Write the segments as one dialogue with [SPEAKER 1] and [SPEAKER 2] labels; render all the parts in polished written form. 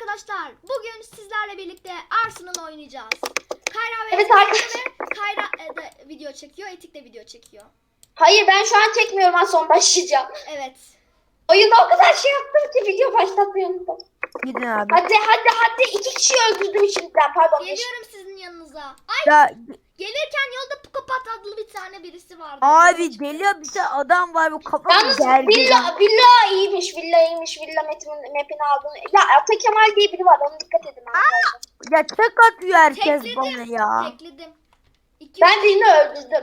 [SPEAKER 1] arkadaşlar, bugün sizlerle birlikte Arsenal oynayacağız. Kayra ve
[SPEAKER 2] Evet arkadaşlar.
[SPEAKER 1] Kayra da video çekiyor, Etik de video çekiyor.
[SPEAKER 2] Hayır ben şu an çekmiyorum, az sonra başlayacağım.
[SPEAKER 1] Evet.
[SPEAKER 2] Oyunda o kadar şey yaptım ki video başlatmayı unuttum.
[SPEAKER 3] Gidin abi.
[SPEAKER 2] Hadi 2 kişi öldürdüm şimdiden, pardon.
[SPEAKER 1] Geliyorum sizin yanınıza. Ay,
[SPEAKER 3] Ya
[SPEAKER 1] gelirken yolda Pukopat adlı bir tane birisi vardı.
[SPEAKER 3] abi deli bir tane adam var, bu kafası
[SPEAKER 2] Yalnız
[SPEAKER 3] gergeden.
[SPEAKER 2] villa iyiymiş, villa map'ini aldım. Ya Ata Kemal diye biri var, ona dikkat edin arkadaşlar.
[SPEAKER 3] Ya tek atıyor herkes
[SPEAKER 1] Tekledim.
[SPEAKER 3] bana ya.
[SPEAKER 1] Tekledim.
[SPEAKER 2] Ben birini öldürdüm.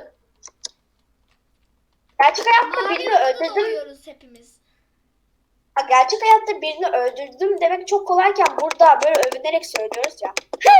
[SPEAKER 2] Gerçek hayatta
[SPEAKER 1] Mavi
[SPEAKER 2] birini
[SPEAKER 1] yolda
[SPEAKER 2] öldürdüm.
[SPEAKER 1] doğuyoruz hepimiz.
[SPEAKER 2] Gerçek hayatta birini öldürdüm demek çok kolayken burada böyle övünerek söylüyoruz ya.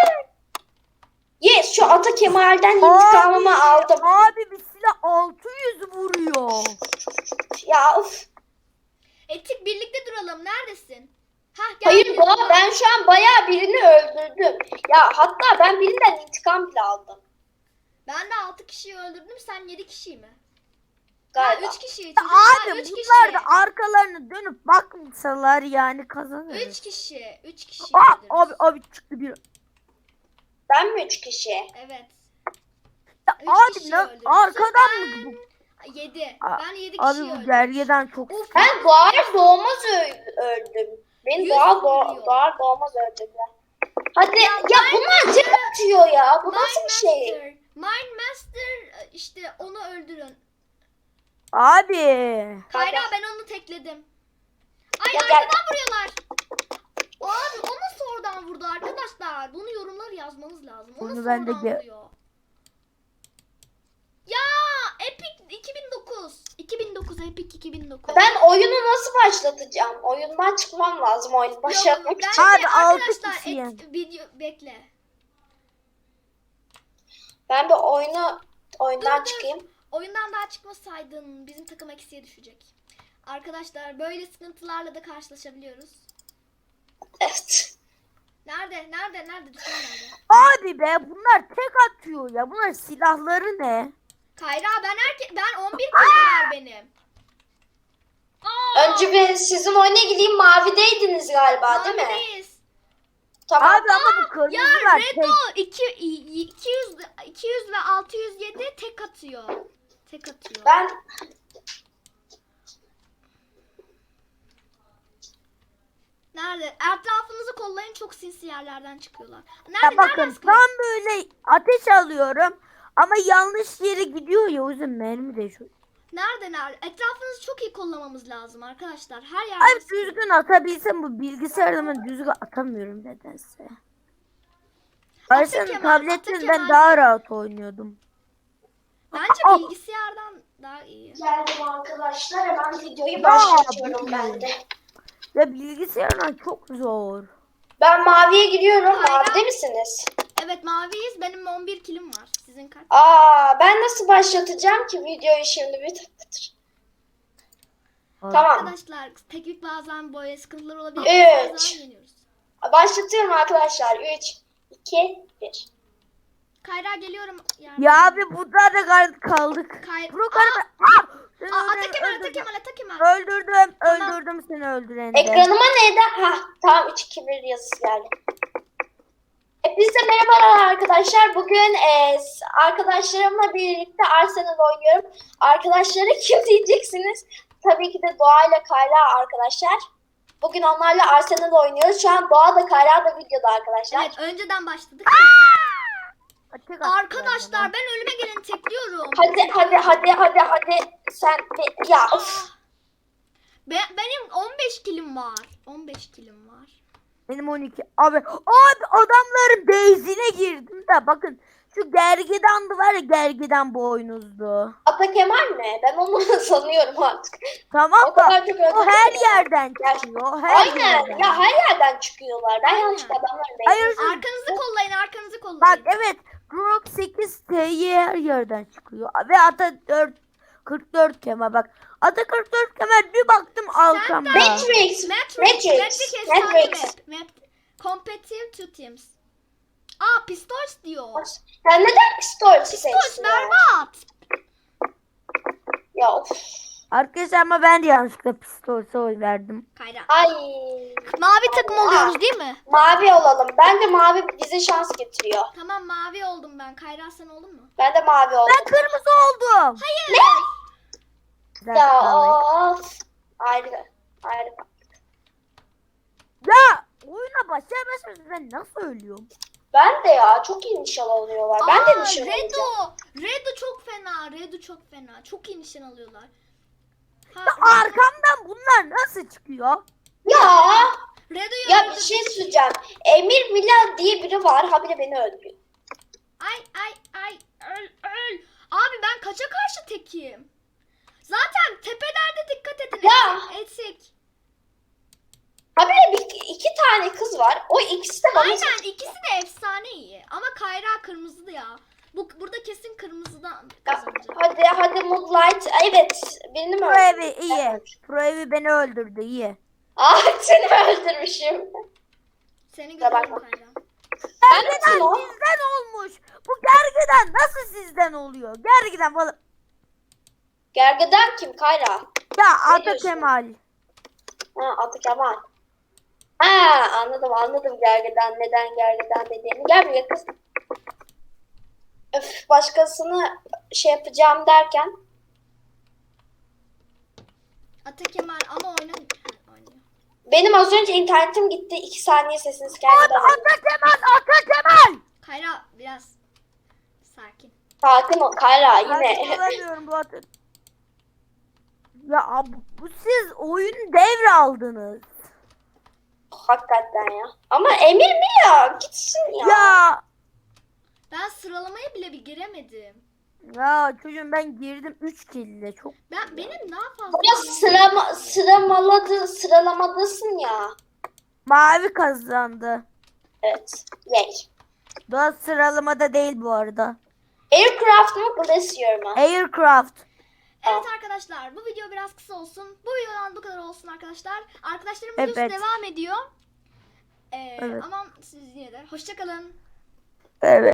[SPEAKER 2] Yes, şu Ata Kemal'den intikamımı aldım.
[SPEAKER 3] Abi bir silah 600 vuruyor.
[SPEAKER 2] Ya of.
[SPEAKER 1] Etik birlikte duralım. Neredesin? Hah, gel.
[SPEAKER 2] Hayır Doğa, ben şu an bayağı birini öldürdüm. Ya hatta ben birinden intikam bile aldım.
[SPEAKER 1] Ben de 6 kişiyi öldürdüm. Sen 7 kişiyi mi?
[SPEAKER 2] Galiba.
[SPEAKER 1] 3 kişiyi.
[SPEAKER 3] Abi
[SPEAKER 1] 3
[SPEAKER 3] bunlar
[SPEAKER 1] kişi.
[SPEAKER 3] da arkalarını dönüp bakmasalar yani kazanır.
[SPEAKER 1] 3 kişi. 3 kişi.
[SPEAKER 3] Abi çıktı bir.
[SPEAKER 2] Ben mi 3 kişi?
[SPEAKER 1] Evet.
[SPEAKER 3] Ya
[SPEAKER 1] Üç
[SPEAKER 3] abi
[SPEAKER 1] kişi
[SPEAKER 3] ne
[SPEAKER 1] öldürdüm.
[SPEAKER 3] arkadan mı bu?
[SPEAKER 1] 7.
[SPEAKER 3] Aa,
[SPEAKER 1] Ben 7
[SPEAKER 3] Abi
[SPEAKER 1] kişiyi
[SPEAKER 3] bu
[SPEAKER 1] öldürdüm.
[SPEAKER 3] gergeden çok.
[SPEAKER 1] Of,
[SPEAKER 2] Ben doğar doğmaz öldüm. Beni
[SPEAKER 1] 100
[SPEAKER 2] doğar
[SPEAKER 1] vuruyor.
[SPEAKER 2] doğmaz öldürdüler. Hadi ya,
[SPEAKER 1] Mind
[SPEAKER 2] bunlar tek atıyor ya. Bu nasıl bir şey?
[SPEAKER 1] Mind Master işte onu öldürün.
[SPEAKER 3] Abi.
[SPEAKER 1] Kayra, ben onu tekledim. Ay,
[SPEAKER 2] Ya
[SPEAKER 1] arkadan
[SPEAKER 2] gel.
[SPEAKER 1] vuruyorlar. Abi o nasıl oradan vurdu arkadaşlar? Bunu yorumlar yazmanız lazım. O
[SPEAKER 3] Bunu
[SPEAKER 1] nasıl
[SPEAKER 3] ben de
[SPEAKER 1] oradan vuruyor? Ya Epic 2009. 2009 Epic 2009.
[SPEAKER 2] Ben oyunu nasıl başlatacağım? Oyundan çıkmam lazım oyunu başlatmak için.
[SPEAKER 3] Abi, altı
[SPEAKER 1] arkadaşlar
[SPEAKER 3] kişiyim.
[SPEAKER 1] video bekle.
[SPEAKER 2] Ben bir oyundan
[SPEAKER 1] Dur.
[SPEAKER 2] çıkayım.
[SPEAKER 1] Oyundan daha çıkmasaydın bizim takım eksiye düşecek. Arkadaşlar böyle sıkıntılarla da karşılaşabiliyoruz.
[SPEAKER 2] Evet.
[SPEAKER 1] Nerede? Düşman nerede?
[SPEAKER 3] Abi be bunlar tek atıyor ya. Bunlar silahları ne?
[SPEAKER 1] Kayra, ben 11 kilim var benim. Aa,
[SPEAKER 2] Önce bir sizin oyuna gideyim, mavideydiniz galiba değil mi?
[SPEAKER 1] mavideyiz.
[SPEAKER 2] Tamam.
[SPEAKER 3] Abi ama bu
[SPEAKER 1] Ya
[SPEAKER 3] kırmızılar tek.
[SPEAKER 1] Redo 200 ve 607 tek atıyor.
[SPEAKER 2] Ben
[SPEAKER 1] Nerede? Etrafınızı kollayın, çok sinsi yerlerden çıkıyorlar.
[SPEAKER 3] Ya
[SPEAKER 1] Nereden
[SPEAKER 3] bakın
[SPEAKER 1] sıkıyor?
[SPEAKER 3] tam böyle ateş alıyorum ama yanlış yere gidiyor ya, o yüzden mermi de şu.
[SPEAKER 1] Nerede? Etrafınızı çok iyi kollamamız lazım arkadaşlar. Her yerde
[SPEAKER 3] Abi
[SPEAKER 1] sıkıyor.
[SPEAKER 3] düzgün atabilsem, bu bilgisayarda ben düzgün atamıyorum nedense. Aslında
[SPEAKER 1] Kemal,
[SPEAKER 3] tabletten
[SPEAKER 1] Ata
[SPEAKER 3] ben
[SPEAKER 1] Kemal.
[SPEAKER 3] daha rahat oynuyordum.
[SPEAKER 1] Bence
[SPEAKER 3] Aa.
[SPEAKER 1] bilgisayardan daha iyi.
[SPEAKER 2] geldim arkadaşlar, hemen videoyu
[SPEAKER 3] Ya,
[SPEAKER 2] başlatıyorum
[SPEAKER 3] bu
[SPEAKER 2] ben de.
[SPEAKER 3] Ya bilgisayardan çok zor.
[SPEAKER 2] Ben maviye gidiyorum.
[SPEAKER 1] Hayır.
[SPEAKER 2] Mavide misiniz?
[SPEAKER 1] Evet, maviyiz. Benim 11 kilim var. Sizin kaç?
[SPEAKER 2] Ben nasıl başlatacağım ki videoyu şimdi bir tıktır. Tamam.
[SPEAKER 1] Arkadaşlar teknik bazen böyle sıkıntılar olabilir. Bazen
[SPEAKER 2] Üç.
[SPEAKER 1] yeniyoruz.
[SPEAKER 2] Başlatıyorum arkadaşlar. 3, 2, 1.
[SPEAKER 1] Kayra, geliyorum. Yani.
[SPEAKER 3] Ya abi burada da kaldık. Bro
[SPEAKER 1] Ata Kemal.
[SPEAKER 3] Öldürdüm seni öldüreni de.
[SPEAKER 2] Ekranıma neydi? Tamam, 3, 2, 1 yazısı geldi. Hepinize merhabalar arkadaşlar. Bugün arkadaşlarımla birlikte Arsenal oynuyorum. Arkadaşları kim diyeceksiniz? Tabii ki de Doğa ile Kayra arkadaşlar. Bugün onlarla Arsenal oynuyoruz. Şu an Doğa da Kayra da videoda arkadaşlar.
[SPEAKER 1] Evet, önceden başladık.
[SPEAKER 3] Tek attılar
[SPEAKER 1] Arkadaşlar
[SPEAKER 3] bana.
[SPEAKER 1] ben ölüme geleni tekliyorum.
[SPEAKER 2] Hadi. Sen ya of.
[SPEAKER 1] Benim 15 kilim var. 15 kilim var.
[SPEAKER 3] Benim 12. Abi adamların base'ine girdim de bakın. Şu gergedandı var ya, gergedan boynuzlu.
[SPEAKER 2] Ata Kemal mi? Ben onu sanıyorum artık.
[SPEAKER 3] Tamam
[SPEAKER 2] O kadar
[SPEAKER 3] da
[SPEAKER 2] çok
[SPEAKER 3] o
[SPEAKER 2] öldürdüm
[SPEAKER 3] her
[SPEAKER 2] ki.
[SPEAKER 3] yerden çıkıyor. Her
[SPEAKER 2] Aynen.
[SPEAKER 3] yerden.
[SPEAKER 2] Ya her yerden çıkıyorlar. Ben
[SPEAKER 1] Aynen.
[SPEAKER 2] yanlışlıkla adamların
[SPEAKER 3] Hayır,
[SPEAKER 2] base'ine-
[SPEAKER 1] Arkanızı kollayın.
[SPEAKER 3] Bak evet. Grok 8 T'yi her yerden çıkıyor. Ve ata 44 kemer bak. Ata 44 kemer bir baktım arkamda.
[SPEAKER 2] Matrix.
[SPEAKER 1] Matrix efsane map. Competitive two teams. Pistols diyor.
[SPEAKER 2] Sen neden pistol
[SPEAKER 1] Pistols
[SPEAKER 2] seçtin ya?
[SPEAKER 1] berbat.
[SPEAKER 2] Ya of.
[SPEAKER 3] Arkadaşlar ama ben de yanlışlıkla pistolse oy verdim.
[SPEAKER 1] Kayra.
[SPEAKER 2] Ay.
[SPEAKER 1] Mavi takım oluyoruz değil mi?
[SPEAKER 2] Mavi olalım. Bence mavi bize şans getiriyor.
[SPEAKER 1] Tamam mavi oldum ben. Kayra sen oldun mu?
[SPEAKER 2] Ben de mavi oldum.
[SPEAKER 3] Ben kırmızı oldum.
[SPEAKER 1] Hayır.
[SPEAKER 3] Bir dakika
[SPEAKER 2] Ya
[SPEAKER 3] alayım.
[SPEAKER 2] of. Ayrı. Ayrı.
[SPEAKER 3] Ya oyuna başlayamazsınız, ben nasıl ölüyorum?
[SPEAKER 2] Ben de ya çok iyi nişan alıyorlar. Ben de nişan alacağım.
[SPEAKER 1] Redo çok fena. Redo çok fena. Çok iyi nişan alıyorlar. Ha,
[SPEAKER 3] Arkamdan bunlar nasıl çıkıyor?
[SPEAKER 2] Ya.
[SPEAKER 1] Redo'yu
[SPEAKER 2] Ya bir
[SPEAKER 1] öldürdü.
[SPEAKER 2] şey söyleyeceğim. Emir Mila diye biri var. Habire beni öldürüyor.
[SPEAKER 1] Ay öl. Abi ben kaça karşı tekim? Zaten tepelerde dikkat edin.
[SPEAKER 2] Ya.
[SPEAKER 1] Eksik.
[SPEAKER 2] Habire iki tane kız var. O ikisi de bana...
[SPEAKER 1] Aynen ikisi de efsane iyi. Ama Kayra kırmızıdı ya. Burada kesin kırmızıdan kazanacak.
[SPEAKER 2] Hadi Moonlight. Evet. Birini mi
[SPEAKER 3] Pro
[SPEAKER 2] öldürdüm?
[SPEAKER 3] evi iyi. Pro evi beni öldürdü, iyi.
[SPEAKER 2] Seni öldürmüşüm.
[SPEAKER 1] Seni
[SPEAKER 2] Kusura
[SPEAKER 1] gördüm
[SPEAKER 2] bakma.
[SPEAKER 1] Kayra.
[SPEAKER 3] Gergeden
[SPEAKER 2] o?
[SPEAKER 3] sizden olmuş. Bu gergeden nasıl sizden oluyor? Gergeden falan.
[SPEAKER 2] Gergedan kim Kayra?
[SPEAKER 3] Ya
[SPEAKER 2] Ne
[SPEAKER 3] Ata
[SPEAKER 2] diyorsun?
[SPEAKER 3] Kemal.
[SPEAKER 2] Ha Atı Kemal. Ha anladım Gergedan neden Gergedan dediğini. Gel buraya kız. Öf başkasını şey yapacağım derken.
[SPEAKER 1] Ata Kemal ama oynuyor.
[SPEAKER 2] Benim az önce internetim gitti. 2 saniye sesiniz
[SPEAKER 3] Ata
[SPEAKER 2] gelmedi.
[SPEAKER 3] Kemal.
[SPEAKER 1] Kayra biraz sakin.
[SPEAKER 2] Sakin ol Kayra
[SPEAKER 3] Ben
[SPEAKER 2] yine.
[SPEAKER 3] olamıyorum bu Ata. Ya bu siz oyunu devraldınız.
[SPEAKER 2] Hakikaten ya. Ama Emir mi ya? Gitsin ya.
[SPEAKER 3] Ya.
[SPEAKER 1] Ben sıralamaya bile bir giremedim.
[SPEAKER 3] Ya çocuğum ben girdim 3 kille çok.
[SPEAKER 1] Benim daha fazla.
[SPEAKER 2] Burada sıralamadasın ya.
[SPEAKER 3] Mavi kazandı.
[SPEAKER 2] Evet. Yay.
[SPEAKER 3] Daha sıralamada değil bu arada.
[SPEAKER 2] Aircraft mı Glacier mı?
[SPEAKER 3] Aircraft.
[SPEAKER 1] Evet arkadaşlar bu video biraz kısa olsun. Bu videodan bu kadar olsun arkadaşlar. Arkadaşlarım videosu
[SPEAKER 3] Evet.
[SPEAKER 1] devam ediyor.
[SPEAKER 3] Evet.
[SPEAKER 1] Ama siz yine de hoşça kalın.
[SPEAKER 3] Evet.